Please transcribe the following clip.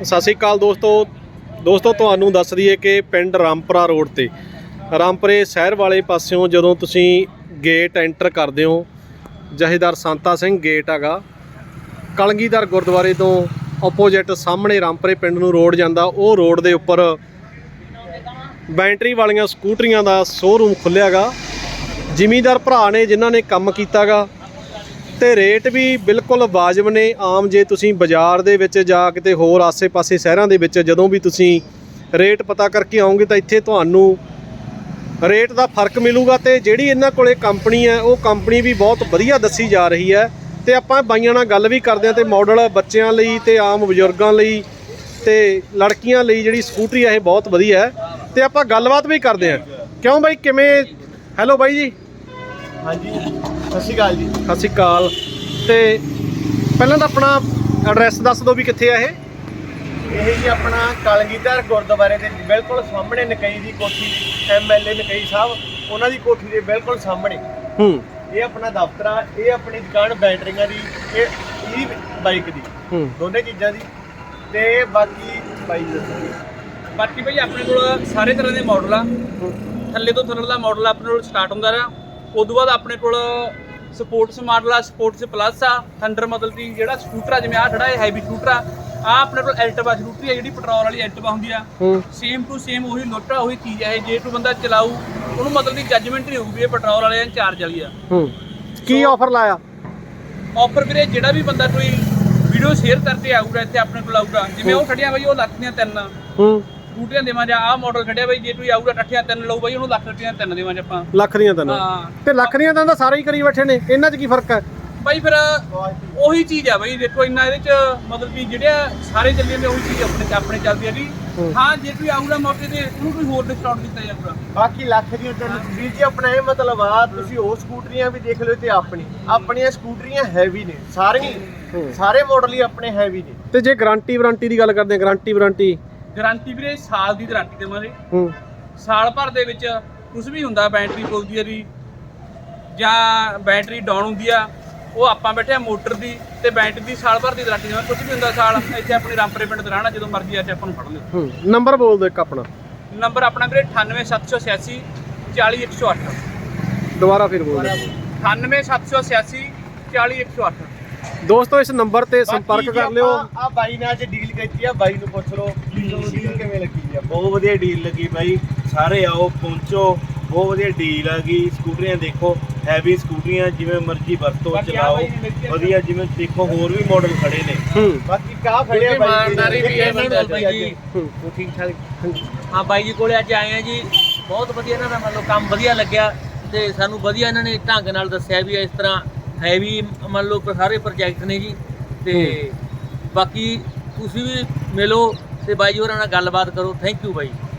ਸਤਿ ਸ਼੍ਰੀ ਅਕਾਲ ਦੋਸਤੋ ਤੁਹਾਨੂੰ ਦੱਸ ਦਈਏ ਕਿ ਪਿੰਡ ਰਾਮਪੁਰਾ ਰੋਡ ਤੇ ਰਾਮਪੁਰੇ ਸ਼ਹਿਰ ਵਾਲੇ ਪਾਸਿਓਂ ਜਦੋਂ ਤੁਸੀਂ ਗੇਟ ਐਂਟਰ ਕਰਦੇ ਹੋ, ਜਥੇਦਾਰ ਸੰਤਾ ਸਿੰਘ ਗੇਟ ਹੈਗਾ, ਕਲਗੀਧਰ ਗੁਰਦੁਆਰੇ ਤੋਂ ਆਪੋਜਿਟ ਸਾਹਮਣੇ ਰਾਮਪੁਰੇ ਪਿੰਡ ਨੂੰ ਰੋਡ ਜਾਂਦਾ। ਉਹ ਰੋਡ ਦੇ ਉੱਪਰ ਬੈਟਰੀ ਵਾਲੀਆਂ ਸਕੂਟਰੀਆਂ ਦਾ ਸ਼ੋਰੂਮ ਖੁੱਲ੍ਹਿਆ ਗਾ। ਜ਼ਿਮੀਂਦਾਰ ਭਰਾ ਨੇ ਜਿਨ੍ਹਾਂ ਨੇ ਕੰਮ ਕੀਤਾ ਗਾ ਤੇ ਰੇਟ ਵੀ ਬਿਲਕੁਲ ਵਾਜਬ ਨੇ। ਆਮ ਜੇ ਤੁਸੀਂ ਬਾਜ਼ਾਰ ਦੇ ਵਿੱਚ ਜਾਂ ਕਿਤੇ ਹੋਰ ਆਸੇ-ਪਾਸੇ ਸ਼ਹਿਰਾਂ ਦੇ ਵਿੱਚ ਜਦੋਂ ਵੀ ਤੁਸੀਂ ਰੇਟ ਪਤਾ ਕਰਕੇ ਆਓਗੇ ਤਾਂ ਇੱਥੇ ਤੁਹਾਨੂੰ ਰੇਟ ਦਾ ਫਰਕ ਮਿਲੂਗਾ। ਤੇ ਜਿਹੜੀ ਇਹਨਾਂ ਕੋਲੇ ਕੰਪਨੀ ਹੈ ਉਹ ਕੰਪਨੀ ਵੀ ਬਹੁਤ ਵਧੀਆ ਦੱਸੀ ਜਾ ਰਹੀ ਹੈ। ਤੇ ਆਪਾਂ ਬਾਈਆਂ ਨਾਲ ਗੱਲ ਵੀ ਕਰਦੇ ਹਾਂ। ਤੇ ਮਾਡਲ ਬੱਚਿਆਂ ਲਈ ਤੇ ਆਮ ਬਜ਼ੁਰਗਾਂ ਲਈ ਤੇ ਲੜਕੀਆਂ ਲਈ ਜਿਹੜੀ ਸਕੂਟਰੀ ਹੈ ਇਹ ਬਹੁਤ ਵਧੀਆ ਹੈ। ਤੇ ਆਪਾਂ ਗੱਲਬਾਤ ਵੀ ਕਰਦੇ ਹਾਂ। ਕਿਉਂ ਬਾਈ, ਕਿਵੇਂ? ਹੈਲੋ ਬਾਈ ਜੀ। ਹਾਂਜੀ, ਸਤਿ ਸ਼੍ਰੀ ਅਕਾਲ ਜੀ। ਸਤਿ ਸ਼੍ਰੀ ਅਕਾਲ। ਤੇ ਪਹਿਲਾਂ ਤਾਂ ਆਪਣਾ ਐਡਰੈਸ ਦੱਸ ਦਿਓ ਵੀ ਕਿੱਥੇ ਆ ਇਹ ਜੀ ਆਪਣਾ ਕਲਗੀਧਰ ਗੁਰਦੁਆਰੇ ਦੇ ਬਿਲਕੁਲ ਸਾਹਮਣੇ ਨਕਈ ਦੀ ਕੋਠੀ, MLA ਨਕਈ ਸਾਹਿਬ ਉਹਨਾਂ ਦੀ ਕੋਠੀ ਦੇ ਬਿਲਕੁਲ ਸਾਹਮਣੇ ਇਹ ਆਪਣਾ ਦਫ਼ਤਰ ਆ। ਇਹ ਆਪਣੀ ਦੁਕਾਨ ਬੈਟਰੀਆਂ ਦੀ, ਇਹ ਬਾਈਕ ਦੀ, ਦੋਨੇ ਚੀਜ਼ਾਂ ਦੀ। ਤੇ ਬਾਕੀ ਬਾਈ ਬਾਕੀ ਭਾਈ ਆਪਣੇ ਕੋਲ ਸਾਰੇ ਤਰ੍ਹਾਂ ਦੇ ਮਾਡਲ ਆ। ਥੱਲੇ ਤੋਂ ਥੱਲੇ ਦਾ ਮਾਡਲ ਆਪਣੇ ਕੋਲ ਸਟਾਰਟ ਹੁੰਦਾ ਰਿਹਾ। ਉਦੋਂ ਬਾਅਦ ਆਪਣੇ ਕੋਲ ਸਪੋਰਟਸ ਮਾਡਲ ਆ, ਸਪੋਰਟਸ ਪਲੱਸ ਆ, ਥੰਡਰ ਮਤਲਬ ਕਿ ਜਿਹੜਾ ਸਕੂਟਰ ਆ, ਜਿਵੇਂ ਆਹ ਖੜਾ ਇਹ ਹੈਵੀ ਸਕੂਟਰ ਆ। ਆਹ ਆਪਣੇ ਕੋਲ ਐਲਟਵਾ ਸਕੂਟਰੀ ਆ, ਜਿਹੜੀ ਪੈਟਰੋਲ ਵਾਲੀ ਐਲਟਵਾ ਹੁੰਦੀ ਆ। ਸੇਮ ਟੂ ਸੇਮ ਉਹੀ ਲੋਟਾ ਉਹੀ ਚੀਜ਼ ਹੈ। ਜੇ ਕੋਈ ਬੰਦਾ ਚਲਾਊ ਉਹਨੂੰ ਮਤਲਬ ਕਿ ਜੱਜਮੈਂਟ ਨਹੀਂ ਹੋਊਗੀ ਇਹ ਪੈਟਰੋਲ ਵਾਲੇ ਜਾਂ ਚਾਰਜ ਵਾਲੀ ਆ। ਕੀ ਆਫਰ ਲਾਇਆ? ਆਫਰ ਵੀਰੇ ਜਿਹੜਾ ਵੀ ਬੰਦਾ ਕੋਈ ਵੀਡੀਓ ਸ਼ੇਅਰ ਕਰਕੇ ਆਊਗਾ ਇੱਥੇ ਆਪਣੇ ਕੋਲ ਆਊਗਾ, ਜਿਵੇਂ ਉਹ ਖੜੀਆਂ ਬਾਈ ਉਹ ਲੱਖ ਦੀਆਂ 3 ਸਕੂਟਰੀਆਂ ਦੇਵਾਂ। ਜਾਂ ਆਹ ਮਾਡਲ ਖੜਿਆ ਬਾਈ, ਜੇ ਕੋਈ ਆਊਗਾ ਇਕੱਠੀਆਂ 3 ਲਊ ਬਾਈ ਉਹਨੂੰ ਲੱਖ ਦੀਆਂ 3 ਦੇਵਾਂ ਆਪਾਂ। ਲੱਖ ਦੀਆਂ 3? ਹਾਂ। ਤੇ ਲੱਖ ਦੀਆਂ 3 ਤਾਂ ਸਾਰੇ ਹੀ ਕਰੀ ਬੈਠੇ ਨੇ, ਇਹਨਾਂ 'ਚ ਕੀ ਫਰਕ ਹੈ ਬਾਈ? ਫਿਰ ਉਹੀ ਚੀਜ਼ ਆ ਬਾਈ, ਦੇਖੋ ਇੰਨਾ ਇਹਦੇ 'ਚ ਮਤਲਬ ਕਿ ਜਿਹੜੇ ਸਾਰੇ ਚੱਲੇ ਨੇ ਉਹੀ ਚੀਜ਼ ਆਪਣੇ ਚੱਲਦੀ ਹੈਗੀ। ਹਾਂ, ਜੇ ਕੋਈ ਆਊਗਾ ਮੌਕੇ ਤੇ ਉਹਨੂੰ ਕੋਈ ਹੋਰ ਡਿਸਕਾਊਂਟ ਦਿੱਤਾ ਜਾਊਗਾ। ਬਾਕੀ ਲੱਖ ਦੀਆਂ 3 ਵੀਰ ਜੀ ਆਪਣਾ ਇਹ ਮਤਲਬ ਆ, ਤੁਸੀਂ ਉਹ ਸਕੂਟਰੀਆਂ ਵੀ ਦੇਖ ਲਿਓ ਤੇ ਆਪਣੀਆਂ ਸਕੂਟਰੀਆਂ ਹੈਵੀ ਨੇ ਸਾਰੀਆਂ, ਸਾਰੇ ਮਾਡਲ ਹੀ ਆਪਣੇ ਹੈਵੀ ਨੇ। ਤੇ ਜੇ ਗਾਰੰਟੀ ਵਾਰੰਟੀ ਦੀ ਗੱਲ ਕਰਦੇ ਹਾਂ, ਗਾਰੰਟੀ ਵੀਰੇ ਸਾਲ ਦੀ ਗਾਰੰਟੀ ਦੇਵਾਂਗੇ। ਸਾਲ ਭਰ ਦੇ ਵਿੱਚ ਕੁਝ ਵੀ ਹੁੰਦਾ, ਬੈਟਰੀ ਫੁੱਲਦੀ ਆ ਦੀ ਜਾਂ ਬੈਟਰੀ ਡਾਊਨ ਹੁੰਦੀ ਆ, ਉਹ ਆਪਾਂ ਬੈਠੇ ਆ ਮੋਟਰ ਦੀ ਤੇ ਬੈਟਰੀ ਦੀ ਸਾਲ ਭਰ ਦੀ ਗਾਰੰਟੀ ਦੇਵਾਂਗੇ। ਕੁਝ ਵੀ ਹੁੰਦਾ ਸਾਲ ਇੱਥੇ ਆਪਣੇ ਰਾਮਪੁਰੇ ਪਿੰਡ ਤੇ ਰਹਿਣਾ, ਜਦੋਂ ਮਰਜ਼ੀ ਆ ਕੇ ਆਪਾਂ ਨੂੰ ਫੜ ਲਿਓ। ਨੰਬਰ ਬੋਲ ਦਿਓ ਇੱਕ ਆਪਣਾ। ਨੰਬਰ ਆਪਣਾ ਵੀਰੇ 98786 40108। ਦੁਬਾਰਾ ਫਿਰ ਬੋਲ ਦਿਓ। 98786 40108। ਦੋਸਤੋ ਇਸ ਨੰਬਰ ਤੇ ਸੰਪਰਕ ਕਰ ਲਿਓ। ਆ ਬਾਈ ਨੇ ਅੱਜ ਡੀਲ ਕੀਤੀ ਆ, ਬਾਈ ਨੂੰ ਪੁੱਛ ਲਓ ਡੀਲ ਕਿਵੇਂ ਲੱਗੀ ਆ। ਬਹੁਤ ਵਧੀਆ ਡੀਲ ਲੱਗੀ ਬਾਈ, ਸਾਰੇ ਆਓ ਪਹੁੰਚੋ, ਬਹੁਤ ਵਧੀਆ ਡੀਲ ਆ ਗਈ। ਸਕੂਟਰੀਆਂ ਦੇਖੋ, ਹੈਵੀ ਸਕੂਟਰੀਆਂ, ਜਿਵੇਂ ਮਰਜ਼ੀ ਵਰਤੋ ਚਲਾਓ ਵਧੀਆ। ਜਿਵੇਂ ਦੇਖੋ ਹੋਰ ਵੀ ਮਾਡਲ ਖੜੇ ਨੇ। ਬਾਕੀ ਕਾ ਖੜਿਆ ਇਮਾਨਦਾਰੀ ਵੀ ਹੈ ਬਾਈ ਜੀ, ਉਹ ਠੀਕ ਠਾਕ। ਹਾਂ ਬਾਈ ਜੀ ਕੋਲੇ ਅੱਜ ਆਏ ਆ ਜੀ, ਬਹੁਤ ਵਧੀਆ ਇਹਨਾਂ ਦਾ ਮਤਲਬ ਕੰਮ ਵਧੀਆ ਲੱਗਿਆ ਤੇ ਸਾਨੂੰ ਵਧੀਆ ਇਹਨਾਂ ਨੇ ਢੰਗ ਨਾਲ ਦੱਸਿਆ ਵੀ ਇਸ ਤਰ੍ਹਾਂ ਹੈਵੀ ਮੰਨ ਲਓ ਸਾਰੇ ਪ੍ਰੋਜੈਕਟ ਨੇ ਜੀ। ਤੇ ਬਾਕੀ ਤੁਸੀਂ ਵੀ ਮਿਲੋ ਤੇ ਬਾਈ ਜੀ ਹੋਰਾਂ ਨਾਲ ਗੱਲਬਾਤ ਕਰੋ। Thank you by.